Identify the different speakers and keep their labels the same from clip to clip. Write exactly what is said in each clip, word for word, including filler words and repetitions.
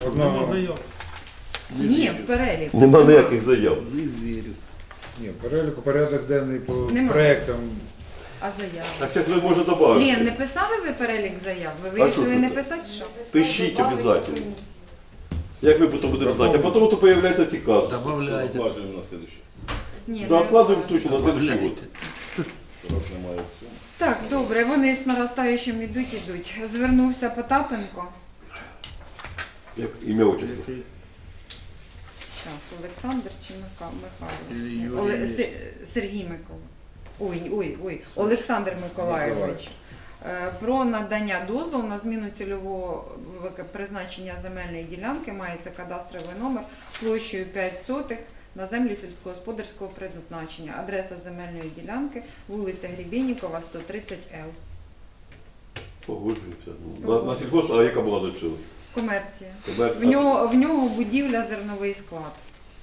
Speaker 1: Нема заяв.
Speaker 2: Ні, в переліку.
Speaker 3: Нема ніяких заяв.
Speaker 1: Не вірю.
Speaker 4: Ні, в переліку порядок денний по
Speaker 2: Нема.
Speaker 4: проектам.
Speaker 2: А заяви?
Speaker 3: Так зараз ви можете додати.
Speaker 2: Лен, не писали ви перелік заяв? Ви вирішили
Speaker 3: що
Speaker 2: не
Speaker 3: це?
Speaker 2: писати, що?
Speaker 3: Пишіть обов'язково. Як ми потім будемо знати? А потім то появляються ці казуси.
Speaker 1: Добавляйте.
Speaker 5: Откладываем на следующий.
Speaker 2: Ні,
Speaker 3: Да,
Speaker 2: не
Speaker 3: откладываем
Speaker 2: виходить.
Speaker 3: точно на следующий год.
Speaker 5: Раз немає все.
Speaker 2: Так, добре, вони з наростаючим ідуть, ідуть. Звернувся Потапенко.
Speaker 3: Як ім'я отчество.
Speaker 1: Який?
Speaker 2: Зараз, Олександр чи Миха- Михайло?
Speaker 1: Юрій
Speaker 2: Оле-
Speaker 1: Юрійович.
Speaker 2: Се- Сергій Микола. Ой, ой, ой, Олександр Миколайович. Е, Про надання дозволу на зміну цільового вик- призначення земельної ділянки мається кадастровий номер площею п'ять сотих на землі сільськогосподарського призначення. Адреса земельної ділянки вулиця Гребенникова, сто тридцять Л.
Speaker 3: Погоджуємося. Ну, На, на сільгосп, а яка була до цього?
Speaker 2: Комерція.
Speaker 3: Комер-
Speaker 2: В нього, в нього будівля, зерновий склад.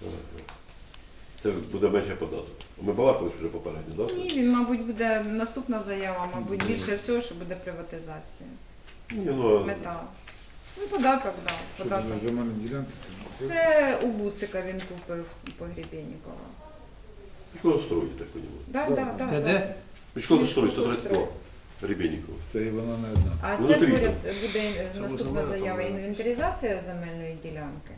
Speaker 3: Це буде менше податок. Ми балакали вже попередньо, так?
Speaker 2: Ні, він, мабуть, буде наступна заява, мабуть, більше всього, що буде приватизація.
Speaker 3: Ні, ну, а
Speaker 2: Мета. Ну, податок, так.
Speaker 4: Що
Speaker 2: Да,
Speaker 4: це
Speaker 2: податок.
Speaker 4: за земельні ділянки? Це
Speaker 2: Це у Буцика він купив по Гребенникова.
Speaker 3: що строїть, так розумію.
Speaker 2: Да, да, да,
Speaker 1: Де,
Speaker 2: да.
Speaker 1: де?
Speaker 3: Що строїть, сто тридцять два. Ребенникова.
Speaker 4: Це і вона не одна.
Speaker 2: А
Speaker 3: Ну,
Speaker 2: це
Speaker 3: внутрі
Speaker 2: поряд буде
Speaker 1: Це
Speaker 2: наступна
Speaker 1: визиває,
Speaker 2: заява
Speaker 1: там,
Speaker 2: інвентаризація земельної ділянки.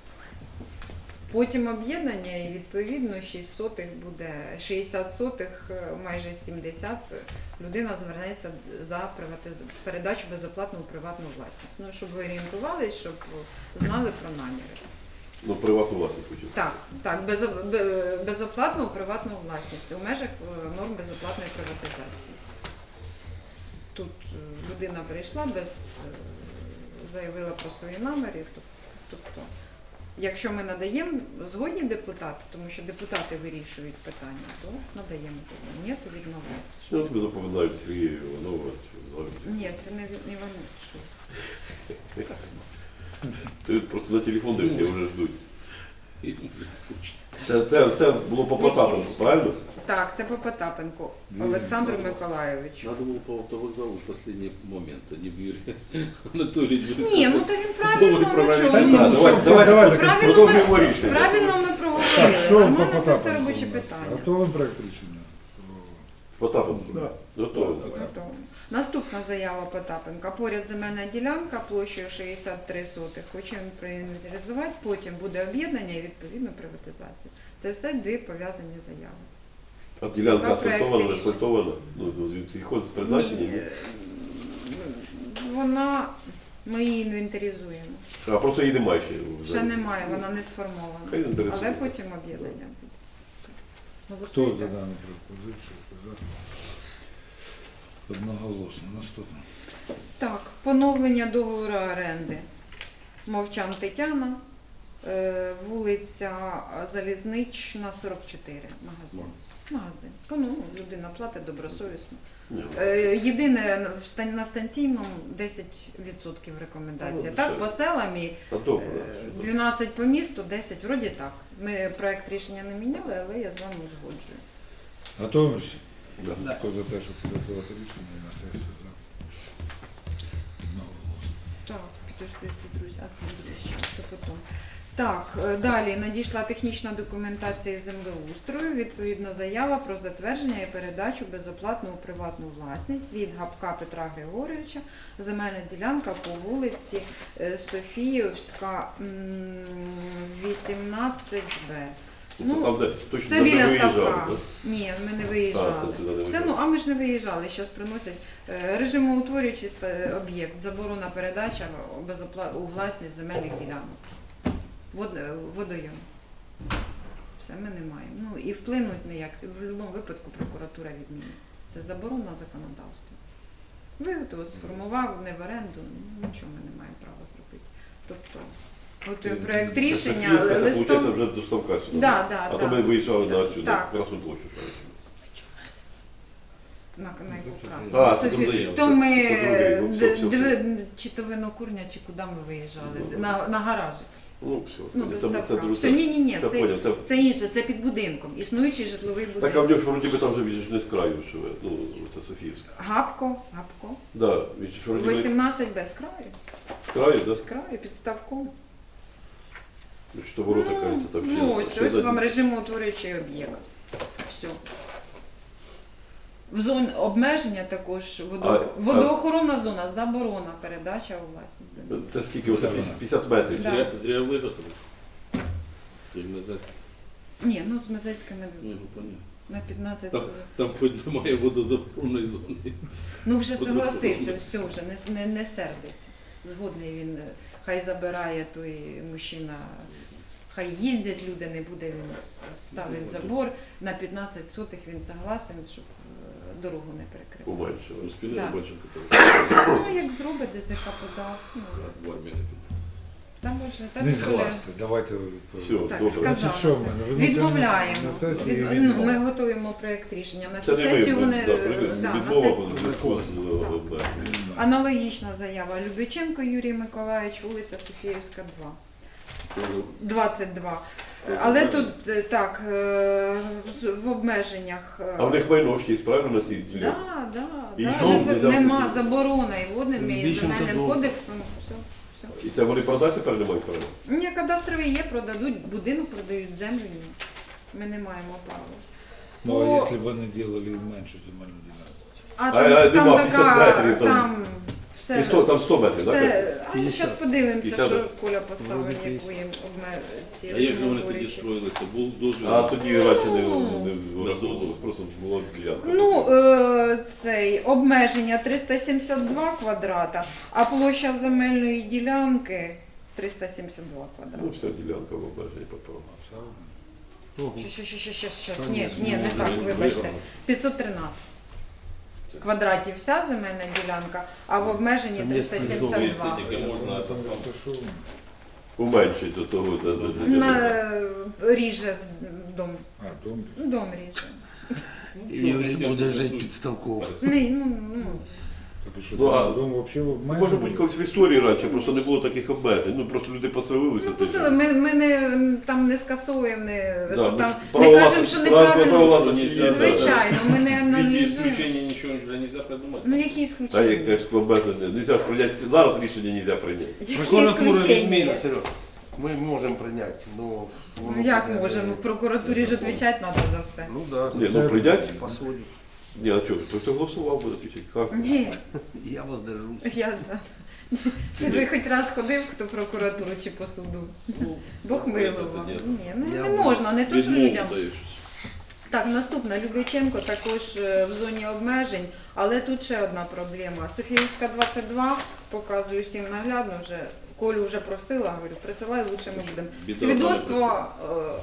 Speaker 2: Потім об'єднання і відповідно шість сотих буде, шістдесят сотих, майже сімдесят. Людина звернеться за приватиз... передачу безоплатну у приватну власність. Ну, щоб ви орієнтувалися, щоб знали про наміри.
Speaker 3: Ну, приватну власність хотів.
Speaker 2: Так, так, безо- бе- безоплатно у приватну власність у межах е, норм безоплатної приватизації. Тут е, людина прийшла, без, е, заявила про свої наміри. тоб- Тобто, якщо ми надаємо згодні депутати, тому що депутати вирішують питання, то надаємо тоді. Ні, то відмовляємо.
Speaker 3: Що тобі запам'ятають Сергія Іванова взагалі?
Speaker 2: Ні, це не, не вони. Що?
Speaker 3: Ти просто на телефон дивишся, вже ждуть. Це, це все було по Потапенку, правильно?
Speaker 2: Так, це по Потапенку Олександру Миколайовичу.
Speaker 5: Надо было по автовокзалу в последний момент, а не в Юрия Анатольевича.
Speaker 2: Ні, ну то він правильно, ну
Speaker 3: Так,
Speaker 2: чого.
Speaker 3: давай, давай,
Speaker 4: Давай,
Speaker 3: давай,
Speaker 2: правильно
Speaker 3: продовжуємо
Speaker 2: ми-
Speaker 3: рішення.
Speaker 2: Правильно ми
Speaker 4: Так,
Speaker 2: проговорили.
Speaker 4: що
Speaker 2: А в
Speaker 4: по
Speaker 2: мене це все
Speaker 4: Потапенку
Speaker 2: робочі
Speaker 4: у нас?
Speaker 2: питання.
Speaker 4: Готовий проект рішення?
Speaker 3: Потапенку.
Speaker 4: Да.
Speaker 3: Готово.
Speaker 2: Готово. Наступна заява Потапенка. Поряд земельна ділянка площею шістдесят три сотих. Хоче він проінвентаризувати, потім буде об'єднання і відповідно приватизація. Це все дві пов'язані заяви.
Speaker 3: А ділянка
Speaker 2: Два проекти
Speaker 3: асфальтована, не
Speaker 2: рішень.
Speaker 3: асфальтована? Ну, від сільхоз з призначення?
Speaker 2: Ні,
Speaker 3: ні?
Speaker 2: е, Вона, ми її інвентаризуємо.
Speaker 3: А просто її немає ще.
Speaker 2: Ще немає, вона не
Speaker 3: Хай
Speaker 2: сформована.
Speaker 3: інвентаризує.
Speaker 2: Але потім об'єднання буде.
Speaker 4: Хто
Speaker 2: Голосуйте.
Speaker 4: за дану пропозицію? За. Одноголосно. Наступне.
Speaker 2: Так, поновлення договору оренди. Мовчан Тетяна, е, вулиця Залізнична, сорок чотири, магазин. Магазин. Ну, людина платить добросовісно.
Speaker 3: Ні.
Speaker 2: Е, Єдине, в стан- на станційному десять відсотків рекомендація.
Speaker 3: Ну,
Speaker 2: Так,
Speaker 3: все.
Speaker 2: по селам і
Speaker 3: Та добре.
Speaker 2: е, дванадцять по місту, десять, вроді так. Ми проект рішення не міняли, але я з вами узгоджую.
Speaker 4: Готовий рішення?
Speaker 3: Да.
Speaker 4: Хто за те, щоб підготувати рішення і на сесію за? Одноголосно.
Speaker 2: Так, підождіть, друзі, а це буде ще це потім. Так, е, далі надійшла технічна документація із землеустрою, відповідно заява про затвердження і передачу безоплатно у приватну власність від Гапка Петра Григоровича, земельна ділянка по вулиці е, Софіївська, м, вісімнадцять Б.
Speaker 3: Це
Speaker 2: Ну,
Speaker 3: там, де точно
Speaker 2: Це
Speaker 3: де ми
Speaker 2: біля
Speaker 3: виїжджали,
Speaker 2: ставка.
Speaker 3: да?
Speaker 2: Ні, ми не виїжджали.
Speaker 3: Так, це сюди не
Speaker 2: Це,
Speaker 3: виїжджали.
Speaker 2: ну, а ми ж не виїжджали, зараз приносять е, режимоутворюючий ста- об'єкт, заборона передача безопла... у власність земельних ділянок. Вод... е, Водойом. Все, ми не маємо. Ну і вплинуть ніяк. В будь-якому випадку прокуратура відмінить. Це заборона законодавства. Виготовив, сформував, не в оренду, ну, нічого ми не маємо права зробити. Тобто, готуємо проєкт
Speaker 3: Це
Speaker 2: рішення,
Speaker 3: Софіївська,
Speaker 2: але
Speaker 3: це, виходить,
Speaker 2: листом...
Speaker 3: вже до ставка сюди.
Speaker 2: Да, да,
Speaker 3: а
Speaker 2: да.
Speaker 3: то ми виїжджали на цю,
Speaker 2: Так.
Speaker 3: на Красну площу. що ли.
Speaker 2: На, на яку
Speaker 4: Це
Speaker 2: красну?
Speaker 3: А,
Speaker 2: На
Speaker 3: це
Speaker 2: Софію.
Speaker 3: заявка.
Speaker 2: То ми
Speaker 3: По другій, ну, все, все,
Speaker 2: д-
Speaker 3: все.
Speaker 2: д- чи то винокурня, чи куди ми виїжджали?
Speaker 3: Ну,
Speaker 2: На, на гаражі.
Speaker 3: Ну, все.
Speaker 2: Ну,
Speaker 3: це,
Speaker 2: до
Speaker 3: це,
Speaker 2: ставка.
Speaker 3: друге.
Speaker 2: Все, ні, ні, ні,
Speaker 3: Це
Speaker 2: це,
Speaker 3: поняв, це-
Speaker 2: це інше, це під будинком. Існуючий житловий
Speaker 3: Так, а в
Speaker 2: будинок.
Speaker 3: нього ж вроді би там вже він же ж не з краю живе, ну, це Софіївська.
Speaker 2: Гапко, гапко.
Speaker 3: Да, він же ж вроді би
Speaker 2: вісімнадцять без краю.
Speaker 3: з краю, да?
Speaker 2: З краю, під ставком.
Speaker 3: Що ворота, кажеться, там ще.
Speaker 2: Ну, ось,
Speaker 3: ще
Speaker 2: ось
Speaker 3: за-
Speaker 2: вам режимоутворюючий об'єкт. Все. В зоні обмеження також водо...
Speaker 3: А-
Speaker 2: водоохоронна зона, заборона, передача у власність землі.
Speaker 3: Це скільки? Оце п'ятдесят метрів.
Speaker 2: Да.
Speaker 5: Зря, зря виготовив. Імунізація.
Speaker 2: Ні, ну з Мезецькими
Speaker 5: Ну, його понятно.
Speaker 2: на п'ятнадцять
Speaker 5: Там,
Speaker 2: сотих.
Speaker 5: там хоч немає водозаборонної зони.
Speaker 2: Ну вже
Speaker 5: Водоохоронна.
Speaker 2: согласився, все вже не, не, не сердиться. Згодний він, е, хай забирає той мужчина, хай їздять люди, не буде він с- ставить забор. На п'ятнадцять сотих він согласен, щоб е, дорогу не перекрив.
Speaker 3: Уменшили.
Speaker 5: Успіли
Speaker 2: Да.
Speaker 5: бачимо,
Speaker 2: Ну як зробить, ДЗК подав. Ну,
Speaker 5: в армії не піде.
Speaker 2: там може, так
Speaker 4: Не
Speaker 2: буде.
Speaker 4: згласти, давайте
Speaker 3: Все,
Speaker 4: відповідь.
Speaker 2: Так,
Speaker 3: добре.
Speaker 2: сказали.
Speaker 4: Значить, що в мене? Ви
Speaker 2: Відмовляємо.
Speaker 4: на сесії
Speaker 2: Від- ну,
Speaker 4: відмова.
Speaker 2: Ми готуємо проєкт рішення. На
Speaker 3: Це
Speaker 2: цю
Speaker 3: не
Speaker 2: сесію
Speaker 3: ми,
Speaker 2: вони
Speaker 3: да,
Speaker 2: е,
Speaker 3: привід-
Speaker 2: да, на
Speaker 3: відмова
Speaker 2: се-
Speaker 3: в зв'язку з е, обмеженням.
Speaker 2: Аналогічна заява Любиченко Юрій Миколаївич, вулиця Софіївська, два.
Speaker 5: Тоже
Speaker 2: двадцять два. Але тут е, так, е, з- в обмеженнях. е,
Speaker 3: А в них майно ж є, правильно, на цій ділянці?
Speaker 2: Да, да,
Speaker 3: І
Speaker 2: да,
Speaker 3: що,
Speaker 2: вже
Speaker 3: нельзя
Speaker 2: нема
Speaker 3: купити?
Speaker 2: заборони і водним, і
Speaker 1: Більше
Speaker 2: земельним
Speaker 1: того.
Speaker 2: кодексом. Все, все.
Speaker 3: І це вони продати тепер не мають права?
Speaker 2: Ні, кадастрові є, продадуть, будинок продають, землю ні. Ми не маємо права.
Speaker 4: Ну, а
Speaker 2: По-
Speaker 4: якщо б вони робили меншу земельну ділянку?
Speaker 2: А
Speaker 3: А,
Speaker 2: там,
Speaker 3: а,
Speaker 2: там
Speaker 3: нема,
Speaker 2: така,
Speaker 3: п'ятдесят метрів там.
Speaker 2: там все.
Speaker 3: І сто, там сто метрів, так?
Speaker 2: Все, а ми зараз подивимося,
Speaker 3: п'ятдесят.
Speaker 2: що Коля поставив,
Speaker 1: Вроде
Speaker 2: яку їм обме... ці
Speaker 5: А як вони тоді
Speaker 2: режимоутворюючі.
Speaker 5: строїлися? Був дозвіл?
Speaker 3: А тоді радше не,
Speaker 2: Ну.
Speaker 3: не використовували, просто була ділянка.
Speaker 2: Ну, е, цей обмеження триста сімдесят два квадрата, а площа земельної ділянки триста сімдесят два
Speaker 3: Ну,
Speaker 2: квадрата.
Speaker 3: вся ділянка в обмеженні попала.
Speaker 4: Все одно.
Speaker 1: Ого.
Speaker 2: Щас, щас, щас, щас, щас.
Speaker 1: Та
Speaker 2: Ні,
Speaker 1: ні,
Speaker 2: ні, не
Speaker 5: ну,
Speaker 2: так,
Speaker 5: ви-
Speaker 2: вибачте.
Speaker 5: ви-
Speaker 2: п'ятсот тринадцять квадратів вся земельна ділянка, а в обмеженні
Speaker 1: Це
Speaker 2: триста сімдесят
Speaker 5: Місце
Speaker 2: два.
Speaker 5: тільки можна
Speaker 4: Це
Speaker 5: те саме.
Speaker 4: що?
Speaker 3: Уменшить до того, де, де, де,
Speaker 2: На,
Speaker 3: де.
Speaker 2: е, ріже з- дом.
Speaker 4: А, дом.
Speaker 2: Дом ріже.
Speaker 1: І він буде жити під столком.
Speaker 2: Не, ну, ну.
Speaker 4: Так і що,
Speaker 3: Ну, а-
Speaker 4: дом взагалі в
Speaker 3: Ну, може бути, колись в історії раніше просто не було таких обмежень. Ну, просто люди поселилися.
Speaker 2: Ну,
Speaker 3: тоді.
Speaker 2: посили, ми, ми не, там не скасовуємо, не,
Speaker 3: Да,
Speaker 2: що
Speaker 3: ми
Speaker 2: там,
Speaker 3: ж
Speaker 2: не
Speaker 3: право
Speaker 2: кажемо,
Speaker 3: власності-
Speaker 2: що
Speaker 3: право- право
Speaker 2: неправильно.
Speaker 3: власності нельзя,
Speaker 2: Звичайно, ми не
Speaker 5: Від
Speaker 2: аналізуємо.
Speaker 5: исключення нічого вже не можна придумати.
Speaker 2: Ну які
Speaker 3: А як
Speaker 2: ісключення?
Speaker 3: кажеш, обмеження? Нельзя ж прийняти, зараз рішення нельзя прийняти.
Speaker 2: Які
Speaker 1: Прокуратура
Speaker 2: ісключення?
Speaker 1: відміна, Серег. Ми можемо прийняти, ну...
Speaker 2: Ну як можемо? В прокуратурі ж відповідати треба за все.
Speaker 1: Ну да.
Speaker 3: Ні, ну прийняти.
Speaker 1: По суді.
Speaker 3: Ні, а чого? Той, хто голосував, буде відповідати.
Speaker 2: Ні,
Speaker 1: Я воздержусь.
Speaker 2: я да. Чи ви хоч раз ходив, хто в прокуратуру чи по суду?
Speaker 5: Ну,
Speaker 2: Бог милував.
Speaker 5: ні.
Speaker 2: Ні, ну
Speaker 1: Я
Speaker 2: не
Speaker 1: буду.
Speaker 2: можна, не то що
Speaker 5: Відмову
Speaker 2: людям.
Speaker 5: даєш.
Speaker 2: Так, наступна Любиченко також е, в зоні обмежень, але тут ще одна проблема. Софіївська двадцять два, показую всім наглядно вже. Колю вже просила, говорю, присилай, лучше ми будемо.
Speaker 5: Біда
Speaker 2: Свідоцтво, е,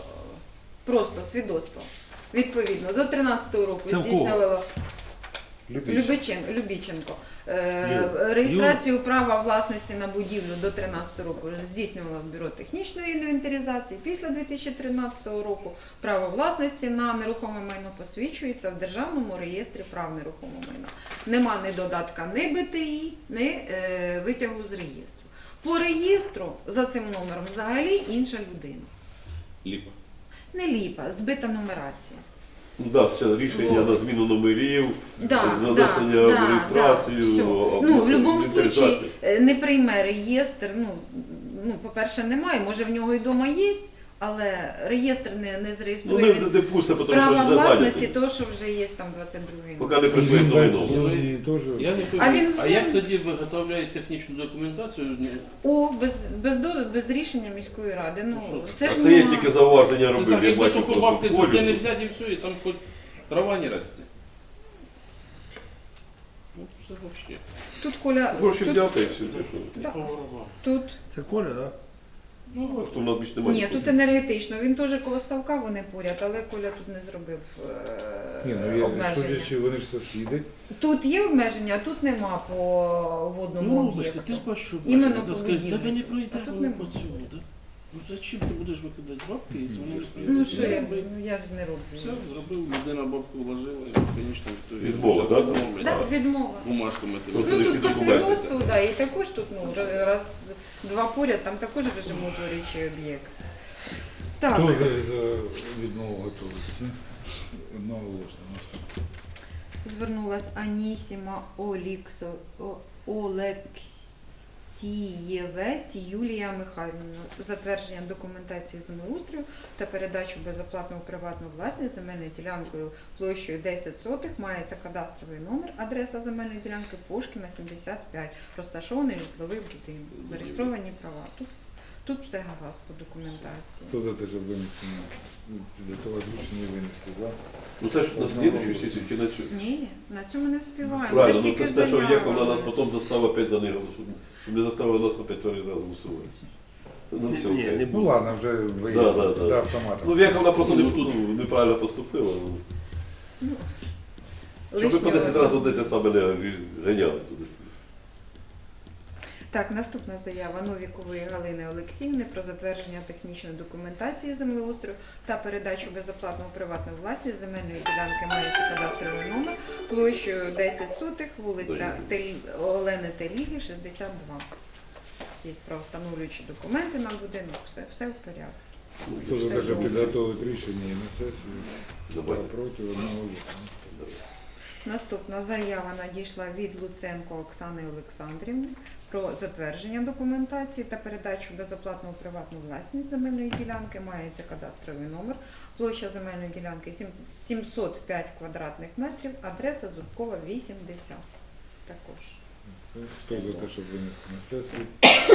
Speaker 2: просто свідоцтво. Відповідно, до тринадцятого року
Speaker 1: Це в кого?
Speaker 2: здійснювало
Speaker 4: Любіть.
Speaker 2: Любиченко, Любіченко. Е,
Speaker 4: Юр.
Speaker 2: Реєстрацію права власності на будівлю до тринадцятого року здійснювало Бюро технічної інвентаризації. Після дві тисячі тринадцятого року право власності на нерухоме майно посвідчується в Державному реєстрі прав нерухомого майна. Нема ні додатка, ні Б Т І, ні е, витягу з реєстру. По реєстру за цим номером взагалі інша людина.
Speaker 5: Ліпа.
Speaker 2: Не ліпа, збита нумерація.
Speaker 3: Ну так, да, ще рішення
Speaker 2: Вот.
Speaker 3: на зміну номерів,
Speaker 2: Да,
Speaker 3: занесення
Speaker 2: да,
Speaker 3: в
Speaker 2: да,
Speaker 3: реєстрацію.
Speaker 2: да, все.
Speaker 3: або
Speaker 2: Ну, в будь-якому
Speaker 3: інвентаризацію.
Speaker 2: случаї е, не прийме реєстр. Ну, ну, по-перше, немає, може в нього і вдома є, але реєстр не, не
Speaker 3: Ну,
Speaker 2: зареєструє
Speaker 3: не,
Speaker 2: він
Speaker 3: не пусте, тому
Speaker 2: права
Speaker 3: що вже
Speaker 2: власності,
Speaker 3: зайняті.
Speaker 2: того, що вже є там двадцять другий.
Speaker 3: Поки не
Speaker 4: І
Speaker 3: прийшли
Speaker 4: він
Speaker 3: до
Speaker 4: весь
Speaker 3: війну.
Speaker 4: в зоні теж.
Speaker 5: Я не
Speaker 2: А він
Speaker 5: пам'ятаю, а як
Speaker 2: зон-
Speaker 5: тоді виготовляють технічну документацію?
Speaker 2: О, без, без, до- без рішення міської ради. Ну,
Speaker 5: Ну, що
Speaker 2: це
Speaker 3: А
Speaker 2: ж
Speaker 3: це є
Speaker 2: нема.
Speaker 3: тільки зауваження
Speaker 5: Це
Speaker 3: робив,
Speaker 5: так,
Speaker 3: я
Speaker 5: якби
Speaker 3: бачу
Speaker 5: тільки бабки з
Speaker 3: протоколі.
Speaker 5: людини взяти і все, і там хоч трава не росте. Ну, це взагалі.
Speaker 2: Тут Коля,
Speaker 3: Гроші
Speaker 2: тут,
Speaker 3: взяв та й все. ти що?
Speaker 2: Да.
Speaker 5: Поворова.
Speaker 2: тут,
Speaker 1: Це Коля, так? Да?
Speaker 3: Ну, а хто в нас більше немає?
Speaker 2: ні, тут енергетично. Він теж коло ставка, вони поряд, але Коля тут не зробив е,
Speaker 4: Ні, ну я
Speaker 2: обмеження.
Speaker 4: судячи, вони ж сусіди.
Speaker 2: Тут є обмеження, а тут нема по водному
Speaker 5: Ну,
Speaker 2: об'єкту.
Speaker 5: ти ж бачиш, що
Speaker 2: Іменно
Speaker 5: бачиш,
Speaker 2: по
Speaker 5: да, скажуть,
Speaker 2: будівлі.
Speaker 5: тебе не
Speaker 2: А
Speaker 5: пройде,
Speaker 2: тут
Speaker 5: воно
Speaker 2: нема.
Speaker 5: по цьому, да? Ну зачем ти будеш викидати бабки, якщо вони не
Speaker 2: Ну
Speaker 5: прийдуть?
Speaker 2: що я,
Speaker 5: Роби.
Speaker 2: ну, я ж не роблю.
Speaker 5: Все, зробив, людина бабку вложила, і, звісно, то
Speaker 3: Відмова,
Speaker 5: щас
Speaker 3: да?
Speaker 5: відмовлять,
Speaker 2: Так,
Speaker 5: да.
Speaker 2: відмова.
Speaker 5: Бумажками ти
Speaker 3: Ну,
Speaker 2: Ну
Speaker 3: всі
Speaker 2: тут по
Speaker 3: документи.
Speaker 2: свідоцтву, да, і також тут, ну, раз, два поряд, там також режимоутворюючий об'єкт. Так,
Speaker 4: Хто за, за відмову готується? Одноголосно. Наступне.
Speaker 2: звернулась Анісіма Оліксо, О- Олексієвець Юлія Михайлівна. Затвердження документації землеустрою та передачу безоплатно у приватну власність земельною ділянкою площею десять сотих. Мається кадастровий номер, адреса земельної ділянки Пушкіна, сімдесят п'ять. Розташований житловий будинок. Зареєстровані права. Тут, тут все гаразд по документації.
Speaker 4: Хто за те, щоб винести на підготувати рішення і винести за?
Speaker 3: Ну це ж на слідчу сесію чи на цю?
Speaker 2: Ні, на цьому не вспіваємо. Це ж
Speaker 3: Правильно, ну
Speaker 2: тільки
Speaker 3: це те, що
Speaker 2: заява.
Speaker 3: Яковлена нас потім заставила опять за них голосувати. Щоб не заставили нас опять перший раз голосувати. Ну все,
Speaker 1: Ні,
Speaker 3: окей.
Speaker 1: не
Speaker 4: Ну
Speaker 1: буде.
Speaker 4: ладно, вже
Speaker 3: Да, да,
Speaker 4: виїхали
Speaker 3: да.
Speaker 4: до автомата.
Speaker 3: Ну, Яковлена просто не, тут неправильно поступила. Ну. Щоб ви по
Speaker 2: Лишнього.
Speaker 3: десять разів одне те саме не ганяли туди.
Speaker 2: Так, наступна заява Новікової Галини Олексіївни про затвердження технічної документації землеустрою та передачу безоплатно у приватну власність земельної ділянки. Мається кадастровий номер площею десять сотих, вулиця Тель... Олени Теліги, шістдесят два. Є правовстановлюючі документи на будинок, все, все в порядку.
Speaker 4: Хто за те,
Speaker 2: Все
Speaker 4: щоб
Speaker 2: добре.
Speaker 4: підготувати рішення і на сесію? За,
Speaker 3: Давайте.
Speaker 4: проти, одного.
Speaker 2: Наступна заява надійшла від Луценко Оксани Олександрівни про затвердження документації та передачу безоплатно у приватну власність земельної ділянки. Мається кадастровий номер, площа земельної ділянки сім- сімсот п'ять квадратних метрів, адреса Зубкова, вісімдесят. Також.
Speaker 4: Це хто за те, щоб винести на сесію?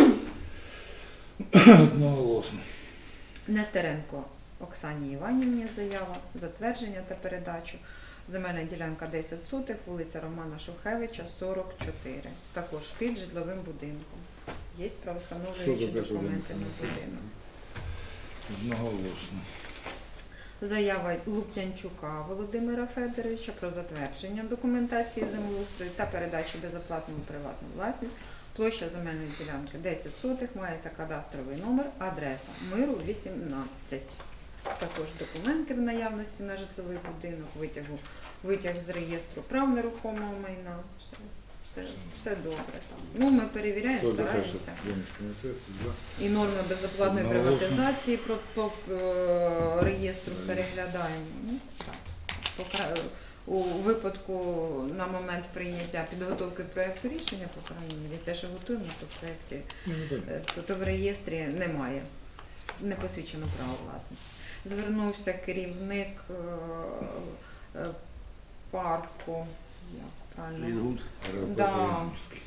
Speaker 4: Одноголосно.
Speaker 2: Нестеренко Оксані Іванівні заява, затвердження та передачу. Земельна ділянка десять сотих, вулиця Романа Шухевича, сорок чотири. Також під житловим будинком. Є
Speaker 4: Хто
Speaker 2: правовстановлюючі
Speaker 4: за те, щоб
Speaker 2: документи
Speaker 4: винести
Speaker 2: на
Speaker 4: на сесію?
Speaker 2: будинок.
Speaker 4: Одноголосно.
Speaker 2: Заява Лук'янчука Володимира Федоровича про затвердження документації землеустрою та передачу безоплатно у приватну власність. Площа земельної ділянки десять сотих, мається кадастровий номер, адреса Миру, вісімнадцять. Також документи в наявності на житловий будинок, витягу, витяг з реєстру прав нерухомого майна. Все, все, все добре там. Ну, ми перевіряємо,
Speaker 4: Хто за те, щоб
Speaker 2: стараємося.
Speaker 4: винести на сесію? За.
Speaker 2: І норми безоплатної
Speaker 4: Одноголосно.
Speaker 2: приватизації про, по е, реєстру переглядаємо. Ну, так. По кра- у випадку на момент прийняття підготовки проєкту рішення, по крайній мірі, те, що готуємо, то в проєкті,
Speaker 4: Ну, не понятно.
Speaker 2: е, то, то в реєстрі немає, не посвідчено право власності. Звернувся керівник е, е, парку, як правильно?
Speaker 1: Інгульськ.
Speaker 2: Да.
Speaker 4: Регіональний.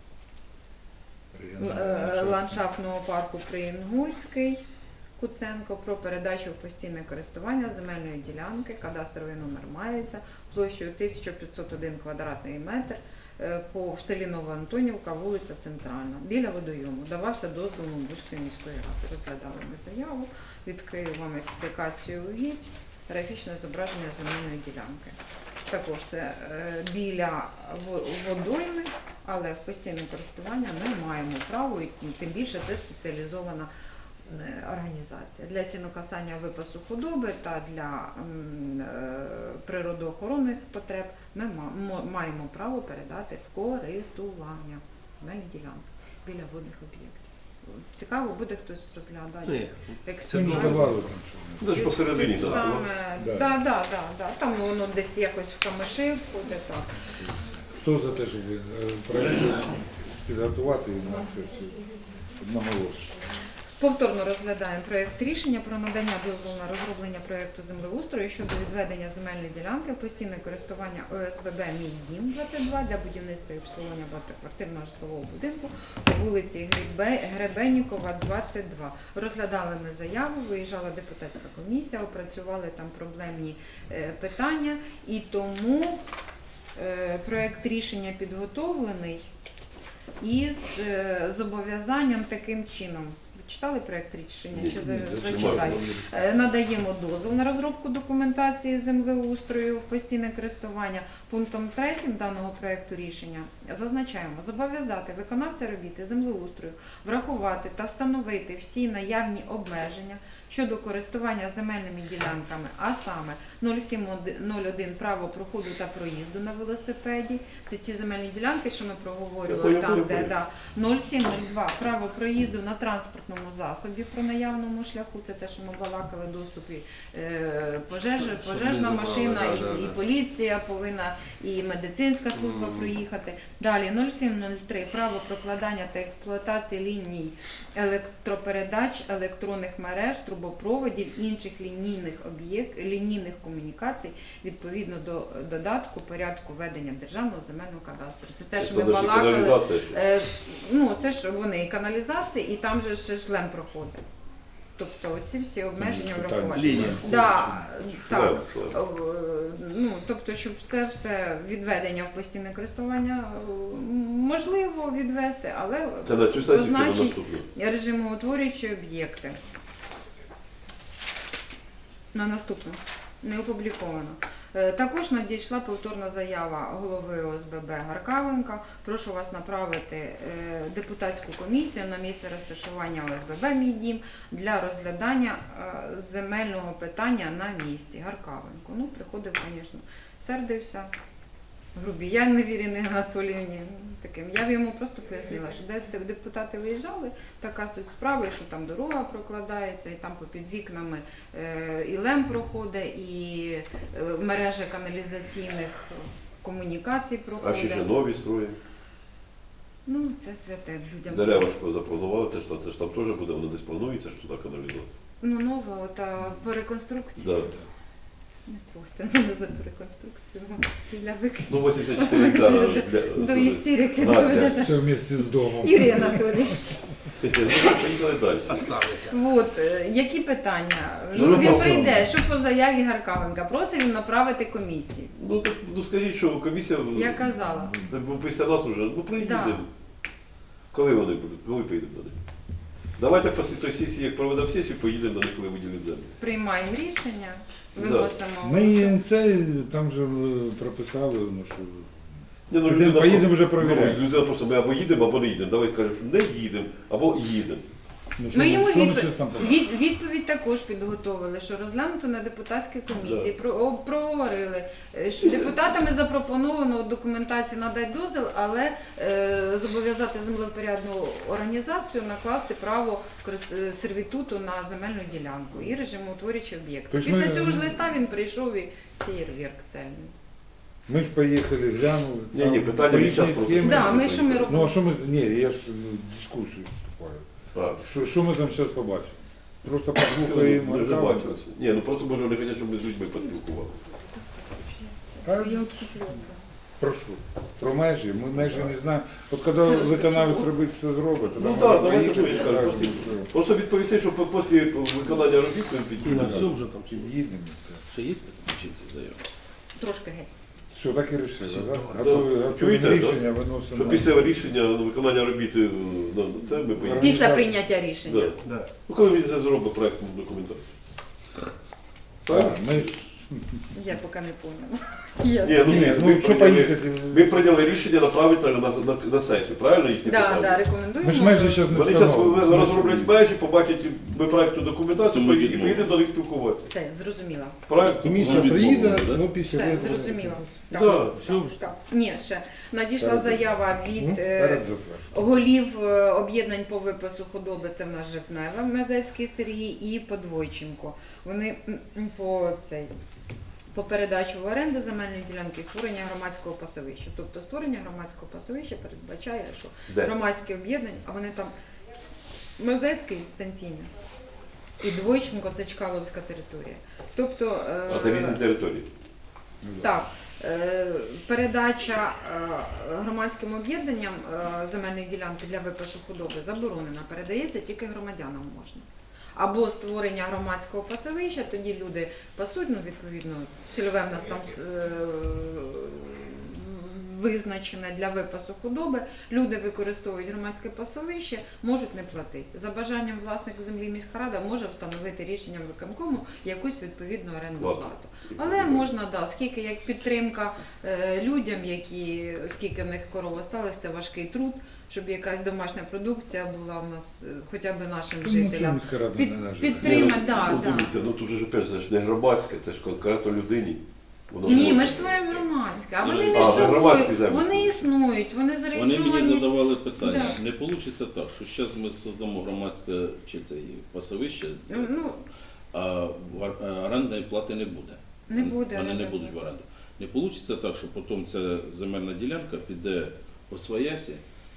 Speaker 2: Л- е, ландшафтного парку Приінгульський Куценко про передачу в постійне користування земельної ділянки, кадастровий номер мається, площею тисяча п'ятсот один квадратний метр е, по в селі Новоантонівка, вулиця Центральна, біля водойому. Давався дозвіл Бузької міської ради. Розглядали ми заяву, відкрию вам експлікацію угідь, графічне зображення земельної ділянки. Також це е, біля во- водойми, але в постійне користування ми маємо право, і тим більше це спеціалізована е, організація. Для сінокосання випасу худоби та для м, е, природоохоронних потреб ми ма- мо- маємо право передати в користування земельні ділянки біля водних об'єктів. Цікаво, буде хтось розглядати
Speaker 1: Ні.
Speaker 4: Це
Speaker 2: експеримент.
Speaker 4: давали там що.
Speaker 3: Ну, ж посередині, так.
Speaker 2: Саме,
Speaker 4: Да.
Speaker 2: да, да, да, да. Там воно десь якось в камиші входить, так.
Speaker 4: Хто за те, щоб ви- е, проект підготувати на сесію? Одноголосно.
Speaker 2: Повторно розглядаємо проєкт рішення про надання дозволу на розроблення проєкту землеустрою щодо відведення земельної ділянки в постійне користування ОСББ «Мій дім» двадцять два для будівництва і обслуговування багатоквартирного житлового будинку по вулиці Гребе- Гребеннікова, двадцять два. Розглядали ми заяву, виїжджала депутатська комісія, опрацювали там проблемні е, питання, і тому е, проєкт рішення підготовлений із е, зобов'язанням таким чином. Ви читали проєкт рішення? Чи за- зачитаю? Е, Надаємо дозвіл на розробку документації землеустрою в постійне користування. Пунктом третім даного проєкту рішення зазначаємо зобов'язати виконавця робіти землеустрою, врахувати та встановити всі наявні обмеження щодо користування земельними ділянками, а саме нуль сім нуль один право проходу та проїзду на велосипеді. Це ті земельні ділянки, що ми проговорювали
Speaker 3: Я
Speaker 2: там,
Speaker 3: понял,
Speaker 2: де
Speaker 3: понял.
Speaker 2: да, нуль сім нуль два право проїзду на транспортному транспортному засобі про наявному шляху, це те, що ми балакали, доступі е, пожежа,
Speaker 1: Щоб
Speaker 2: пожежна
Speaker 1: не забрали,
Speaker 2: машина,
Speaker 1: да,
Speaker 2: і,
Speaker 1: да,
Speaker 2: і
Speaker 1: да.
Speaker 2: поліція повинна, і медицинська служба
Speaker 1: Мгм.
Speaker 2: проїхати. Далі нуль сім нуль три право прокладання та експлуатації ліній електропередач, електронних мереж, трубопроводів, інших лінійних об'єкт, лінійних комунікацій відповідно до додатку порядку ведення державного земельного кадастру. Це те, що ми
Speaker 3: Це ж
Speaker 2: балакали.
Speaker 3: каналізація ще.
Speaker 2: Е, ну, це ж вони і каналізації, і там же ще шлем проходить. Тобто оці всі обмеження
Speaker 4: Питання.
Speaker 2: враховані.
Speaker 1: Лінія.
Speaker 2: Да, так.
Speaker 3: Шлем, шлем.
Speaker 2: Е, Ну, тобто, щоб це все відведення в постійне користування е, можливо відвести, але
Speaker 3: Це на цю сесію чи на
Speaker 2: позначить
Speaker 3: наступну?
Speaker 2: режимоутворюючі об'єкти. На наступну. Не опубліковано. Е, Також надійшла повторна заява голови О С Б Б Гаркавенка. Прошу вас направити е, депутатську комісію на місце розташування О С Б Б «Мій дім» для розглядання е, земельного питання на місці. Гаркавенко. Ну, приходив, звісно, сердився. Грубіян Невіріни Анатоліївні. Таким. Я б йому просто пояснила, що де де депутати виїжджали, така суть справи, що там дорога прокладається, і там попід вікнами е, і лем проходить, і е, мережа каналізаційних комунікацій
Speaker 3: А
Speaker 2: проходить.
Speaker 3: ще ще нові строї.
Speaker 2: Ну, це святе людям.
Speaker 3: Дерева ж запланували, це ж, там- це ж там теж буде, воно десь планується, що туди каналізація.
Speaker 2: Ну, нова, от, а, по реконструкції.
Speaker 3: Да.
Speaker 2: Не трохи мене за ту реконструкцію. Для виключення.
Speaker 3: Ну, вісімдесят чотири гектара для...
Speaker 2: До істерики
Speaker 3: Надя.
Speaker 2: доведете.
Speaker 4: Це вместе з домом.
Speaker 2: Юрій Анатолійович.
Speaker 3: Ну, поїхали далі.
Speaker 1: Осталися.
Speaker 2: Вот, е, які питання?
Speaker 3: Ну,
Speaker 2: Ну, він
Speaker 3: ну,
Speaker 2: прийде, що по заяві Гаркавенка, просить він направити комісію.
Speaker 3: Ну, так, ну скажіть, що комісія...
Speaker 2: Я казала.
Speaker 3: Це був після нас вже, ну приїдемо.
Speaker 2: Да.
Speaker 3: Коли вони будуть? Коли поїдемо до них? Давайте після тої сесії, як проведемо сесію, поїдемо до них, коли виділять землю.
Speaker 2: Приймаємо рішення,
Speaker 3: Да.
Speaker 2: виносимо.
Speaker 4: Ми це там же е, прописали, ну що.
Speaker 3: Ні, ну,
Speaker 4: Підемо,
Speaker 3: людина
Speaker 4: поїдемо
Speaker 3: просто-
Speaker 4: вже перевіряємо.
Speaker 3: Ну, людина просто, ми або їдемо, або не їдемо. Давай кажемо, що не їдемо, або їдемо.
Speaker 4: Ну, що,
Speaker 2: Ми йому
Speaker 4: що ми
Speaker 2: відпо-
Speaker 4: щас там
Speaker 2: від, відповідь також підготовили, що розглянуто на депутатській комісії,
Speaker 3: Да.
Speaker 2: про, о, проговорили, е, що депутатами запропоновано документацію надати дозвіл, але е, зобов'язати землевпорядну організацію накласти право корис- е, сервітуту на земельну ділянку і режимоутворюючі об'єкти.
Speaker 4: Тобто
Speaker 2: Після
Speaker 4: ми-
Speaker 2: цього ж листа він прийшов і феєрверк цельний.
Speaker 4: Ми ж поїхали, глянули.
Speaker 3: Ні,
Speaker 4: там
Speaker 3: ні, питання
Speaker 4: по
Speaker 3: від
Speaker 4: їхній
Speaker 3: час просто.
Speaker 4: схемі.
Speaker 2: Да, ми що ми робимо?
Speaker 4: Ну а що ми. Ні, я ж ну, дискусію вступаю.
Speaker 3: А,
Speaker 4: Що, що ми там зараз побачимо? Просто
Speaker 3: ми
Speaker 4: послухаємо.
Speaker 3: вже
Speaker 4: Гаркавенка.
Speaker 3: бачилися. Ні, ну просто може вони хочуть, щоб ми з людьми поспілкувалися.
Speaker 4: Та,
Speaker 2: Я от куплю.
Speaker 4: прошу. Про межі. Ми межі не знаємо. От коли виконавець робить все зробить, тоді
Speaker 3: Ну
Speaker 4: ми
Speaker 3: так, давайте
Speaker 4: поїдемо,
Speaker 3: ми
Speaker 4: скажемо,
Speaker 3: просто,
Speaker 4: що
Speaker 3: просто відповісти, що по- після виконання робіт ми
Speaker 1: І на
Speaker 3: підійдемо.
Speaker 1: все вже там чи
Speaker 4: їдемо це.
Speaker 5: Ще є включиться заява?
Speaker 2: Трошки геть.
Speaker 4: Все, так і вирішили, так?
Speaker 3: Да.
Speaker 4: Готові,
Speaker 3: Чуєте,
Speaker 4: готові
Speaker 3: да?
Speaker 4: рішення
Speaker 3: Що
Speaker 4: виносимо.
Speaker 3: після рішення ну, виконання робіт, е, ну, це ми поїдемо.
Speaker 2: Після прийняття рішення.
Speaker 3: Да.
Speaker 1: Да.
Speaker 3: Ну, коли він це зробить проєктну документацію.
Speaker 4: Так, ми ж...
Speaker 2: Я поки не поняла. Я
Speaker 3: Ні, ну,
Speaker 4: Ні,
Speaker 3: ми,
Speaker 4: ну що
Speaker 3: прийняли,
Speaker 4: поїхати?
Speaker 3: ми прийняли рішення направити на, на, на, на сесію, правильно їхні
Speaker 2: Да,
Speaker 3: питання?
Speaker 2: да, рекомендуємо.
Speaker 4: Ми ж межі зараз не
Speaker 3: Вони зараз
Speaker 4: встановимо.
Speaker 3: розроблять межі, побачать ми проєктну документацію,
Speaker 5: Ми
Speaker 3: поїдемо- і
Speaker 5: підемо.
Speaker 3: поїдемо до них спілкуватися.
Speaker 2: Все, зрозуміла.
Speaker 3: Проєкт.
Speaker 1: Комісія
Speaker 5: Ну,
Speaker 1: приїде,
Speaker 5: відмовили, да?
Speaker 1: ну після
Speaker 2: Все,
Speaker 1: виборів.
Speaker 2: зрозуміло.
Speaker 3: Да,
Speaker 2: Так,
Speaker 3: все
Speaker 2: так, так. Ні, ще надійшла
Speaker 4: Перед-
Speaker 2: заява
Speaker 1: Ну,
Speaker 2: від е,
Speaker 4: Перед затвердженням.
Speaker 2: голів е, об'єднань по випису худоби, це в нас Жепнева, Мезецький Сергій і Подвойченко. Вони м, м, по цей. По передачу в оренду земельної ділянки і створення громадського пасовища. Тобто створення громадського пасовища передбачає, що
Speaker 3: Де?
Speaker 2: громадські об'єднання, а вони там Мезецький станційний і Двойченко це Чкаловська територія. Тобто е,
Speaker 3: А це різні території.
Speaker 2: так, е, передача е, громадським об'єднанням е, земельної ділянки для випасу худоби заборонена, передається тільки громадянам можна. Або створення громадського пасовища, тоді люди пасуть, ну, відповідно, цільове в нас там е, визначене для випасу худоби, люди використовують громадське пасовище, можуть не платити. За бажанням власник землі міська рада може встановити рішенням виконкому якусь відповідну орендну
Speaker 3: Плату.
Speaker 2: плату. Але можна, да, скільки як підтримка е, людям, які, оскільки в них корова сталася, це важкий труд, щоб якась домашня продукція була в нас е, хоча б нашим
Speaker 4: Ну, чому
Speaker 2: жителям.
Speaker 4: міська рада
Speaker 2: Під-
Speaker 4: не наживе?
Speaker 2: підтримати,
Speaker 3: Ні,
Speaker 2: да,
Speaker 3: ну,
Speaker 2: да.
Speaker 3: дивіться, ну тут же ж опять, це ж не громадське, це ж конкретно людині. Воно
Speaker 2: Ні,
Speaker 3: може.
Speaker 2: ми ж створюємо громадське, а
Speaker 5: Ну,
Speaker 2: вони
Speaker 5: а,
Speaker 2: між
Speaker 3: ви
Speaker 2: собою,
Speaker 3: громадські землі
Speaker 2: вони існують, вони
Speaker 5: Вони мені
Speaker 2: зареєстровані.
Speaker 5: задавали питання.
Speaker 2: Да.
Speaker 5: Не вийде так, що зараз ми создамо громадське чи це і пасовище,
Speaker 2: Ну,
Speaker 5: а в- а орендної плати не буде.
Speaker 2: Не буде,
Speaker 5: Вони
Speaker 2: не
Speaker 5: не
Speaker 2: буде.
Speaker 5: будуть в оренду. Не вийде так, що потім ця земельна ділянка піде по своясі,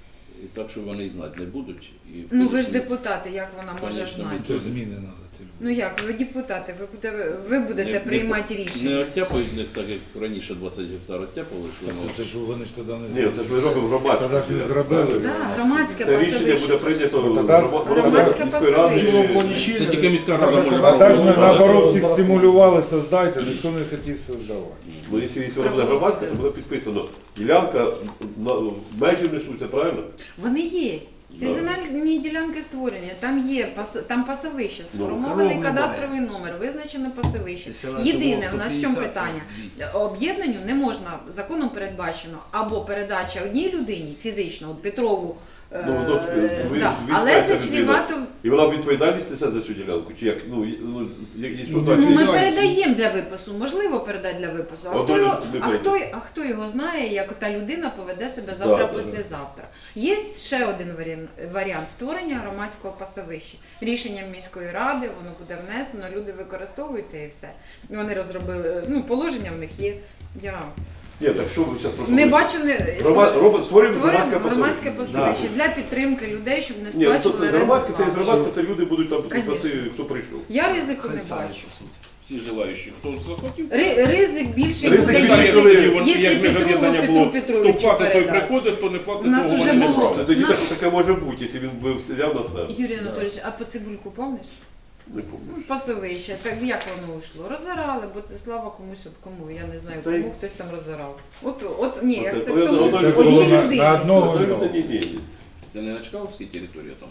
Speaker 5: і так, що вони і знати не будуть. І
Speaker 2: Ну ви ж
Speaker 5: будуть-
Speaker 2: депутати, як вона може
Speaker 5: Конечно,
Speaker 2: знати?
Speaker 4: Це ж зміни треба.
Speaker 2: Ну як, ви депутати, ви будете, ви будете
Speaker 5: Не-
Speaker 2: приймати
Speaker 5: Не
Speaker 2: рішення.
Speaker 5: оттяпають них так, як раніше двадцять гектар оттяпали, що воно
Speaker 4: Це ж вони ж тоді не
Speaker 3: Ні, це ж ми робимо громадське.
Speaker 4: Тоді ж не зробили.
Speaker 2: Да, громадське
Speaker 3: Це рішення буде
Speaker 2: пасовище.
Speaker 3: прийнято
Speaker 4: Ну, тоді-
Speaker 3: грома-
Speaker 2: Громадське
Speaker 3: міської ради.
Speaker 2: пасовище.
Speaker 5: це тільки міська рада може
Speaker 4: А так же
Speaker 5: робити.
Speaker 4: наоборот всіх стимулювали создати, ніхто не хотів создавати.
Speaker 3: Ну, якщо якщо воно буде громадське, то буде підписано. Ділянка, на- межі несуться, правильно?
Speaker 2: Вони є. Ці
Speaker 3: Да.
Speaker 2: земельні ділянки створені, там є пас- там пасовище,
Speaker 3: Ну,
Speaker 2: сформований
Speaker 1: коров
Speaker 2: кадастровий номер, визначено пасовище.
Speaker 1: Якщо раніше
Speaker 2: Єдине,
Speaker 1: було
Speaker 2: в нас в
Speaker 1: сто
Speaker 2: чому
Speaker 1: п'ятдесят,
Speaker 2: питання?
Speaker 1: це
Speaker 2: Об'єднанню не можна, законом передбачено, або передача одній людині, фізично, от Петрову, е,
Speaker 3: Ну, ну, ви-
Speaker 2: да,
Speaker 3: ви
Speaker 2: але
Speaker 3: знаєте,
Speaker 2: це чрівато.
Speaker 3: І вона відповідальність несе за цю ділянку? Чи як? Ну, і- ну, як- і що
Speaker 4: Ну,
Speaker 3: так?
Speaker 2: Ну, ми
Speaker 1: відповідальність.
Speaker 2: передаємо для випису, можливо передати для випису. А,
Speaker 3: От
Speaker 2: хто
Speaker 3: вони
Speaker 2: його,
Speaker 3: ж не
Speaker 2: а,
Speaker 3: передають.
Speaker 2: хто, а хто його знає, як та людина поведе себе завтра,
Speaker 3: Да, да,
Speaker 2: післязавтра. Є ще один варіант, варіант створення громадського пасовища. Рішенням міської ради, воно буде внесено, люди використовують і все. Вони розробили, ну, положення в них є. Я
Speaker 3: Ні, так що ви зараз
Speaker 2: не
Speaker 3: пропонуєте?
Speaker 2: бачу не
Speaker 3: Грома- робить- Створюємо громадське
Speaker 2: створюємо громадське
Speaker 3: пасовище.
Speaker 2: пасовище для підтримки людей, щоб не
Speaker 3: Ні, ну, то
Speaker 2: сплачували
Speaker 3: це
Speaker 2: орендну
Speaker 3: громадське, це є
Speaker 2: плату.
Speaker 3: громадське, це люди будуть там
Speaker 2: Конечно.
Speaker 3: пасти, хто прийшов.
Speaker 2: Я ризику
Speaker 1: Хай
Speaker 2: не
Speaker 1: самі
Speaker 2: бачу.
Speaker 1: пасуть.
Speaker 5: Всі желаючі, хто захотів.
Speaker 2: Ри- Ризик більший
Speaker 3: Ризик
Speaker 2: буде,
Speaker 3: більший,
Speaker 2: якщо,
Speaker 3: коли-
Speaker 2: якщо
Speaker 5: як ми
Speaker 2: Петрову
Speaker 5: об'єднання
Speaker 2: Петру
Speaker 5: було, хто
Speaker 2: Петровичу
Speaker 5: платить, той
Speaker 2: передати.
Speaker 5: приходить, хто не платить,
Speaker 2: У нас
Speaker 5: того
Speaker 2: уже
Speaker 5: вони не
Speaker 2: було.
Speaker 5: платять.
Speaker 3: Тоді
Speaker 2: Ну,
Speaker 3: так, таке може бути, якщо він би взяв на себе.
Speaker 2: Юрій Анатолійович, а по цибульку помниш?
Speaker 3: Не пам'ятаю.
Speaker 2: Пасовище, так як воно йшло? Розорали, бо це слава комусь от кому, я не знаю,
Speaker 3: Та й-
Speaker 2: кому хтось там розорав. От, от ні,
Speaker 3: Оце-
Speaker 2: як це
Speaker 3: оце-
Speaker 2: хто
Speaker 3: оце
Speaker 4: Це
Speaker 3: Одній
Speaker 4: було
Speaker 2: одній
Speaker 4: на,
Speaker 2: людині.
Speaker 4: на одного
Speaker 3: Ну,
Speaker 4: нього.
Speaker 3: ні, ні, ні.
Speaker 5: Це не на Чкаловській території, а там.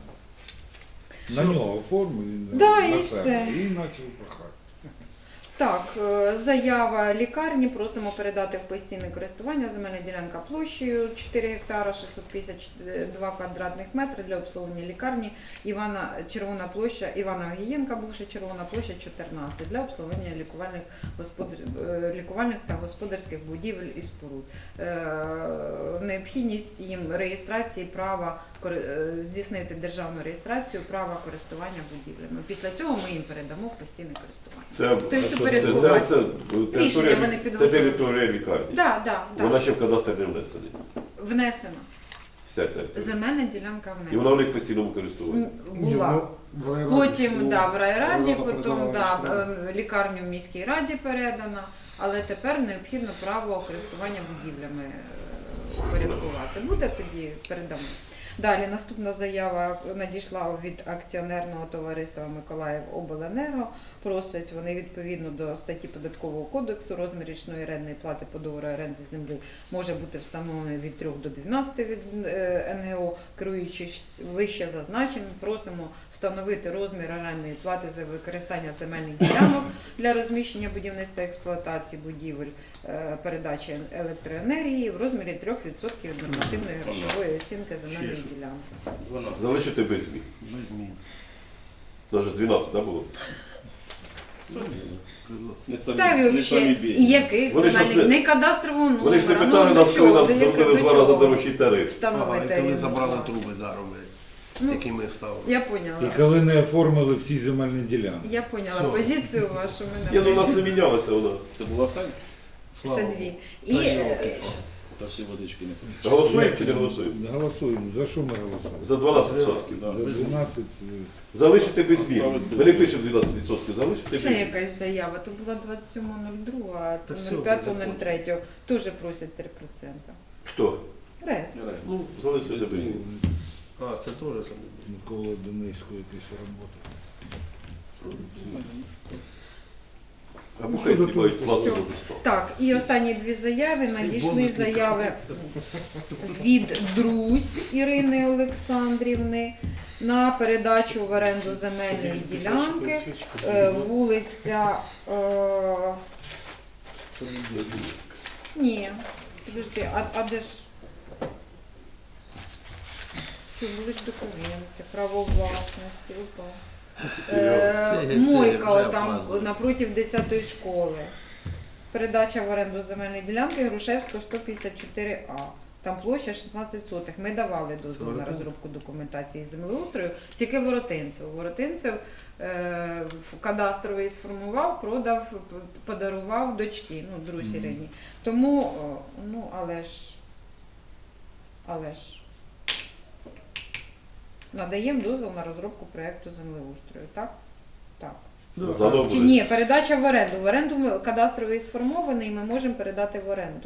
Speaker 4: На нього оформив, він
Speaker 2: Да,
Speaker 4: на
Speaker 2: і
Speaker 4: себе.
Speaker 2: все.
Speaker 4: І почав пахати. Так,
Speaker 2: Так, е, заява лікарні, просимо передати в постійне користування земельна ділянка площею чотири гектара шістсот п'ятдесят два квадратних метри для обслуговування лікарні Івана Червона площа Івана Огієнка, бувша Червона площа чотирнадцять для обслуговування лікувальних господар... е, лікувальних та господарських будівель і споруд. Е, Необхідність їм реєстрації права кори- е, здійснити державну реєстрацію права користування будівлями. Після цього ми їм передамо в постійне користування.
Speaker 3: Це,
Speaker 2: Тобто
Speaker 3: це, це,
Speaker 2: упорядкувати.
Speaker 3: це,
Speaker 2: Рішення
Speaker 3: територія,
Speaker 2: вони
Speaker 3: це
Speaker 2: підготують.
Speaker 3: територія лікарні.
Speaker 2: Да, да, да.
Speaker 3: Вона ще в кадастр не внесена.
Speaker 2: Внесено.
Speaker 3: Вся територія.
Speaker 2: Земельна ділянка
Speaker 3: І вона в
Speaker 2: внесена.
Speaker 3: них в постійному користуванні.
Speaker 2: М, Була.
Speaker 1: ну,
Speaker 2: Потім да, в райраді,
Speaker 1: Рада
Speaker 2: потім
Speaker 1: передала
Speaker 2: да,
Speaker 1: міськраді.
Speaker 2: е, лікарню в міській раді передана, але тепер необхідно право користування будівлями е, упорядкувати. Буде тоді передамо. Далі наступна заява надійшла від акціонерного товариства Миколаїв Обленерго. Просять вони відповідно до статті Податкового кодексу розмір річної орендної плати по договору оренди землі може бути встановлений від трьох до дванадцяти від е, ен ге о, керуючись вище зазначеним. Просимо встановити розмір орендної плати за використання земельних ділянок для розміщення будівництва експлуатації будівель, е, передачі електроенергії в розмірі трьох відсотків від нормативної грошової оцінки земельної ділянки.
Speaker 5: дванадцять.
Speaker 3: Залишити без змін.
Speaker 1: Без змін.
Speaker 3: Навіть дванадцять, так було?
Speaker 5: Не самі,
Speaker 2: Та й
Speaker 5: не самі
Speaker 2: взагалі, і
Speaker 5: бідні.
Speaker 2: яких
Speaker 3: Вони ж
Speaker 2: земельних,
Speaker 3: не-
Speaker 2: не кадастрового номера.
Speaker 3: Вони ж не
Speaker 2: ну,
Speaker 3: питали
Speaker 2: до
Speaker 3: нас, коли
Speaker 2: чого,
Speaker 3: нам
Speaker 2: до яких-
Speaker 3: зробили
Speaker 2: до
Speaker 3: два рази
Speaker 2: чого
Speaker 3: дорожчий тариф.
Speaker 1: Ага, і
Speaker 2: встановити
Speaker 1: коли
Speaker 2: їм
Speaker 1: забрали
Speaker 2: плату.
Speaker 1: труби даром,
Speaker 2: Ну,
Speaker 1: які ми вставили.
Speaker 2: я поняла.
Speaker 4: І коли не оформили всі земельні ділянки.
Speaker 2: Я поняла
Speaker 1: Все.
Speaker 2: позицію вашу. Ми
Speaker 3: Ні, ну у нас не
Speaker 2: напишемо.
Speaker 3: мінялася вона.
Speaker 5: Це була остання?
Speaker 1: Слава
Speaker 2: Ще
Speaker 1: Богу.
Speaker 2: дві.
Speaker 1: Та
Speaker 2: І
Speaker 1: що,
Speaker 2: е,
Speaker 5: Та ще водички не пили.
Speaker 3: Голосуємо чи не голосуємо?
Speaker 4: Голосуємо. За що ми голосуємо?
Speaker 3: За дванадцять відсотків.
Speaker 5: Да.
Speaker 4: За дванадцять.
Speaker 3: Залишити без змін.
Speaker 5: Поставити без
Speaker 3: Ми не
Speaker 5: змін.
Speaker 3: пишемо дванадцять відсотків, залишити без
Speaker 2: ще
Speaker 3: змін.
Speaker 2: якась заява. То була двадцять сьома нуль друга, а
Speaker 1: Та все,
Speaker 2: це нуль п'ята
Speaker 1: вже
Speaker 2: нуль третя. Теж просять три відсотки.
Speaker 3: Хто?
Speaker 2: Рез.
Speaker 3: Ну, залишити без змін.
Speaker 1: А, це теж саме.
Speaker 4: Микола Донецького якась робота.
Speaker 3: Або хай знімають плату
Speaker 2: Все.
Speaker 3: за листок.
Speaker 2: Так, і останні дві заяви. Надійшли
Speaker 1: бонусні
Speaker 2: заяви від Друзь Ірини Олександрівни на передачу в оренду земельної ділянки. Е, Вулиця. Е, ні, подожди, а, а де ж? Це були ж документи, право власності, опа. Е,
Speaker 1: Це- це
Speaker 2: Мойка
Speaker 1: вже
Speaker 2: там
Speaker 1: праздник.
Speaker 2: напротив десятої школи. передача в оренду земельної ділянки Грушевського сто п'ятдесят чотири А. Там площа шістнадцять сотих. Ми давали дозвіл на
Speaker 1: Воротинцев?
Speaker 2: розробку документації землеустрою, тільки Воротинцев. Воротинцев е, в кадастровий сформував, продав, п- подарував дочки, ну, друзі
Speaker 4: Мгм.
Speaker 2: рідні. Тому, о, ну, але ж, але ж, надаємо дозвіл на розробку проєкту землеустрою, так? Так.
Speaker 3: Заодно
Speaker 2: Чи
Speaker 3: буде.
Speaker 2: ні, передача в оренду. В оренду ми- кадастровий сформований, ми можемо передати в оренду.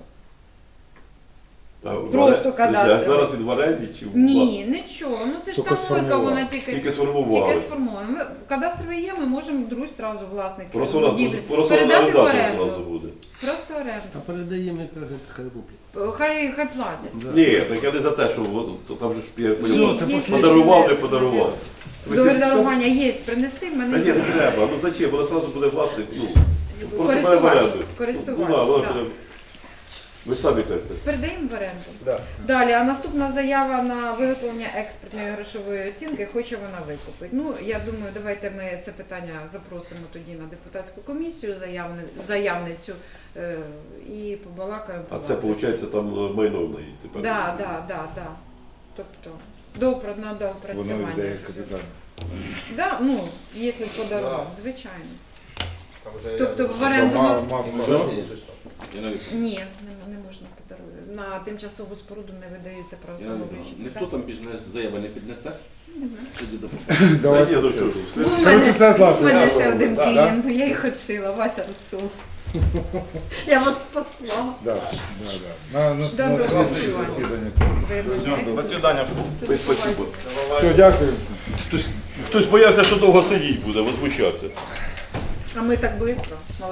Speaker 3: А в
Speaker 2: Просто
Speaker 3: оре-
Speaker 2: кадастровий.
Speaker 3: а Зараз він в оренді чи в
Speaker 2: Ні, нічого. Ну це ж
Speaker 4: Тільки
Speaker 2: там логіка,
Speaker 4: сформував.
Speaker 2: вона тільки,
Speaker 3: Тільки
Speaker 2: тільки
Speaker 3: сформували.
Speaker 2: сформована. Ми, кадастровий є, ми можемо друзі зразу власник
Speaker 3: Просто вона
Speaker 2: будівлі
Speaker 3: просто
Speaker 2: передати в
Speaker 3: орендар одразу
Speaker 2: оренду.
Speaker 3: буде.
Speaker 2: Просто
Speaker 1: А
Speaker 2: оренду.
Speaker 1: передаємо, як кажуть, хай роблять.
Speaker 2: Хай, хай платять.
Speaker 1: Да.
Speaker 3: Ні, так я не за те, що от, то там же ж я
Speaker 2: Є,
Speaker 3: поняв,
Speaker 1: це
Speaker 2: є
Speaker 1: посліднє.
Speaker 3: подарував, не подарував.
Speaker 2: Договір дарування є, принести в
Speaker 3: Та
Speaker 2: мене.
Speaker 3: ні, не треба, ну зачем, вона одразу буде власник, ну, просто бере в
Speaker 2: Користувач.
Speaker 3: оренду.
Speaker 2: Користувач,
Speaker 3: Ну, да, вона
Speaker 2: так.
Speaker 3: буде, ви самі кажете.
Speaker 2: Передаємо в оренду.
Speaker 1: Да.
Speaker 2: Далі, а наступна заява на виготовлення експертної грошової оцінки, хоче вона викупити. Ну, я думаю, давайте ми це питання запросимо тоді на депутатську комісію, заявни, заявницю, е, і побалакаємо.
Speaker 3: А це, виходить, там е, майно в неї тепер.
Speaker 2: Так, так, так, так. Тобто, до, на
Speaker 4: Воно
Speaker 2: доопрацювання.
Speaker 4: йде
Speaker 2: всього.
Speaker 4: капітально.
Speaker 2: Да, ну, якщо подарував, звичайно.
Speaker 6: Там вже
Speaker 2: Тобто
Speaker 6: я-
Speaker 2: в оренду
Speaker 4: Мав-
Speaker 2: ми...
Speaker 4: мав-
Speaker 5: Все?
Speaker 6: Є ж там.
Speaker 5: Я навіть
Speaker 2: Ні, не, не можна подарувати. На тимчасову споруду не видаються
Speaker 5: я навіть-
Speaker 2: правостановлюючі
Speaker 5: ніхто там більш не заяви не піднесе.
Speaker 2: Не знаю.
Speaker 5: Тоді до
Speaker 3: Та
Speaker 4: Давайте
Speaker 3: ні, ну
Speaker 4: це.
Speaker 3: що ж,
Speaker 2: Ну,
Speaker 3: слід-
Speaker 2: в
Speaker 4: Коротше,
Speaker 2: мене,
Speaker 4: це
Speaker 2: в
Speaker 4: класно.
Speaker 2: мене
Speaker 6: Да,
Speaker 2: ще
Speaker 6: да,
Speaker 2: один
Speaker 6: да.
Speaker 2: клієнт, я їх отшила, Вася Русул. Я вас спасла.
Speaker 4: Да, да, да. На, на,
Speaker 2: Да,
Speaker 4: на
Speaker 2: да,
Speaker 4: слідче
Speaker 2: да.
Speaker 4: засідання.
Speaker 2: Ви
Speaker 6: Все,
Speaker 2: мене-
Speaker 6: до свидання всім.
Speaker 3: Ви спасибо.
Speaker 4: Все, дякую.
Speaker 3: Хтось, хтось боявся, що довго сидіти буде, возмущався.
Speaker 2: А ми так швидко.